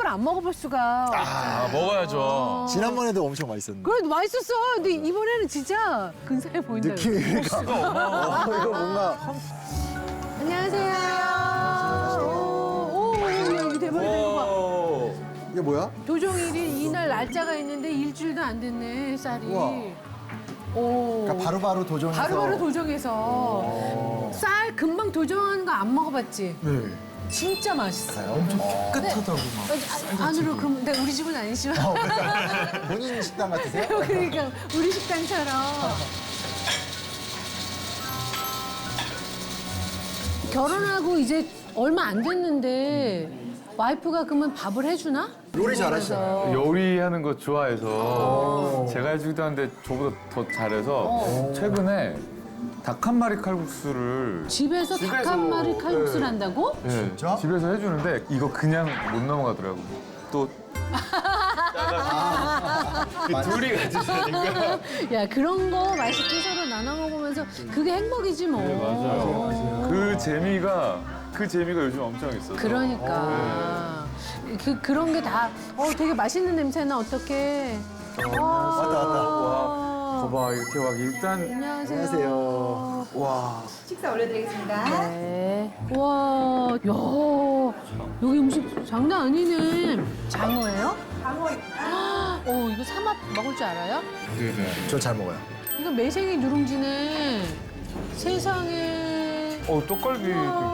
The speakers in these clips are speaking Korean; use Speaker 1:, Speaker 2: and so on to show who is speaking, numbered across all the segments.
Speaker 1: 걸 안 먹어볼 수가.
Speaker 2: 아, 먹어야죠.
Speaker 3: 지난번에도 엄청 맛있었는데.
Speaker 1: 그래도 맛있었어. 근데 이번에는 진짜 근사해 보인다.
Speaker 3: 느낌이 그러니까. 이거 뭔가
Speaker 1: 안녕하세요. 오, 여기 대박이다. 이거 봐.
Speaker 3: 이게 뭐야?
Speaker 1: 도종일이 이날 날짜가 있는데 일주일도 안 됐네, 쌀이.
Speaker 3: 우와.
Speaker 1: 오.
Speaker 3: 그러니까 바로바로 도정해서.
Speaker 1: 바로바로 도정해서. 쌀 금방 도정하는 거 안 먹어봤지?
Speaker 3: 네.
Speaker 1: 진짜 맛있어요.
Speaker 3: 엄청 깨끗하다고 막.
Speaker 1: 안으로 그럼 근데 우리 집은 아니지만
Speaker 3: 본인 식당 같으세요?
Speaker 1: 그러니까 우리 식당처럼 결혼하고 이제 얼마 안 됐는데 와이프가 그러면 밥을 해주나?
Speaker 3: 요리 잘하시잖아요.
Speaker 4: 요리하는 거 좋아해서 제가 해주기도 하는데 저보다 더 잘해서 최근에 닭 한 마리 칼국수를
Speaker 1: 집에서 닭 한 마리 칼국수를 한다고?
Speaker 3: 진짜?
Speaker 4: 집에서 해주는데 이거 그냥 못 넘어가더라고. 또 둘이 같이 사니까.
Speaker 1: 야 그런 거 맛있게 서로 나눠 먹으면서 그게 행복이지 뭐.
Speaker 4: 맞아요. 그 재미가 요즘 엄청 있어서.
Speaker 1: 그러니까 그런 게 다 되게 맛있는 냄새나 어떡해.
Speaker 3: 왔다.
Speaker 4: 봐봐 이렇게 막 일단
Speaker 1: 안녕하세요.
Speaker 3: 안녕하세요.
Speaker 4: 와
Speaker 5: 식사 올려드리겠습니다.
Speaker 1: 네. 와, 야, 여기 음식 장난 아니네. 장어예요?
Speaker 5: 장어입니다.
Speaker 1: 이거 삼합 먹을 줄 알아요?
Speaker 3: 저 잘 먹어요.
Speaker 1: 이거 매생이 누룽지네. 세상에.
Speaker 4: 떡갈비.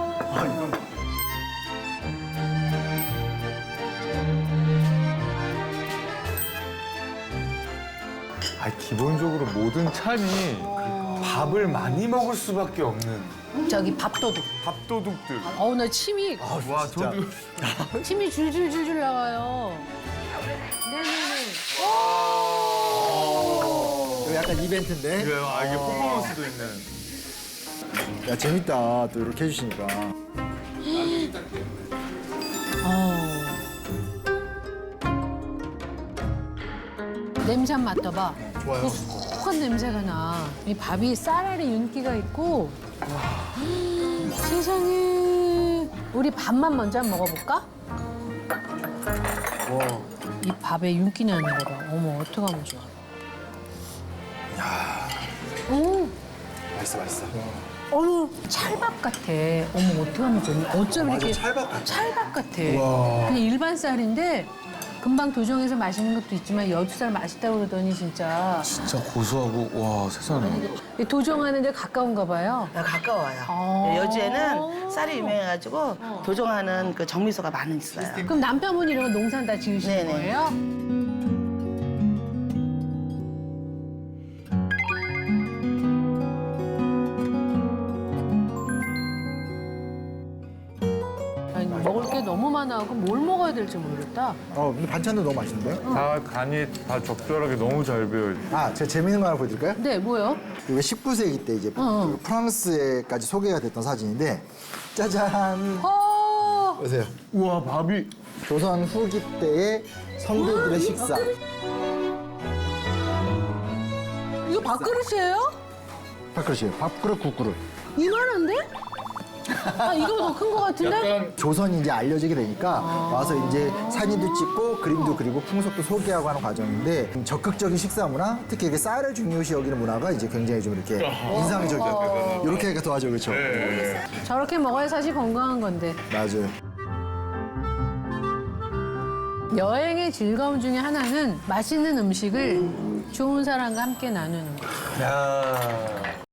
Speaker 4: 기본적으로 모든 찬이 밥을 많이 먹을 수밖에 없는
Speaker 1: 저기 밥도둑.
Speaker 4: 밥도둑들.
Speaker 1: 나 침이,
Speaker 4: 와
Speaker 3: 진짜.
Speaker 4: 저도
Speaker 1: 침이 줄줄줄줄 나와요. 네네네.
Speaker 3: 이거 약간 이벤트인데?
Speaker 4: 이게 퍼포먼스도 있는.
Speaker 3: 야, 재밌다. 또 이렇게 해주시니까.
Speaker 1: 냄새 한번 맡아봐.
Speaker 3: 좋아요.
Speaker 1: 고소한 냄새가 나. 이 밥이 쌀알이 윤기가 있고. 세상에. 우리 밥만 먼저 한번 먹어볼까?
Speaker 3: 와.
Speaker 1: 이 밥에 윤기 나는 거 봐. 어머, 어떡하면 좋아.
Speaker 3: 맛있어.
Speaker 1: 어머, 찰밥 같아. 어머, 어떡하면 좋니? 어쩜
Speaker 3: 맞아,
Speaker 1: 이렇게.
Speaker 3: 찰밥 같아.
Speaker 1: 찰밥 같아.
Speaker 3: 우와.
Speaker 1: 그냥 일반 쌀인데 금방 도정해서 맛있는 것도 있지만 여주쌀 맛있다고 그러더니 진짜.
Speaker 4: 진짜 고소하고 와 세상에.
Speaker 1: 이 도정하는 데 가까운가 봐요.
Speaker 5: 가까워요.
Speaker 1: 아.
Speaker 5: 여주에는 쌀이 유명해가지고 도종하는 그 정미소가 많이 있어요.
Speaker 1: 그럼 남편분이 이런 거 농산 다 지으시는
Speaker 5: 네네.
Speaker 1: 거예요? 아니, 먹을 게 너무 많아갖고 뭘 먹어야 될지 모르겠다.
Speaker 3: 근데 반찬도 너무 맛있는데?
Speaker 4: 다 간이 다 적절하게 너무 잘 배어.
Speaker 3: 제가 재밌는 거 하나 보여드릴까요?
Speaker 1: 네, 뭐요?
Speaker 3: 이게 19세기 때 이제 그 프랑스에까지 소개가 됐던 사진인데, 짜잔. 보세요.
Speaker 4: 우와 밥이.
Speaker 3: 조선 후기 때의 성도들의 식사.
Speaker 1: 이거 밥그릇이에요?
Speaker 3: 밥그릇이에요. 밥그릇, 국그릇.
Speaker 1: 이만한데? 이거 더 큰 거 같은데?
Speaker 3: 조선이 이제 알려지게 되니까 와서 이제 사진도 찍고 그림도 그리고 풍속도 소개하고 하는 과정인데 적극적인 식사 문화, 특히 이렇게 쌀을 중요시 여기는 문화가 이제 굉장히 좀 이렇게 인상적이었고 이렇게 하니까 더 하죠, 그렇죠?
Speaker 1: 저렇게 먹어야 사실 건강한 건데.
Speaker 3: 맞아요.
Speaker 1: 여행의 즐거움 중에 하나는 맛있는 음식을 좋은 사람과 함께 나누는 거.
Speaker 4: 야.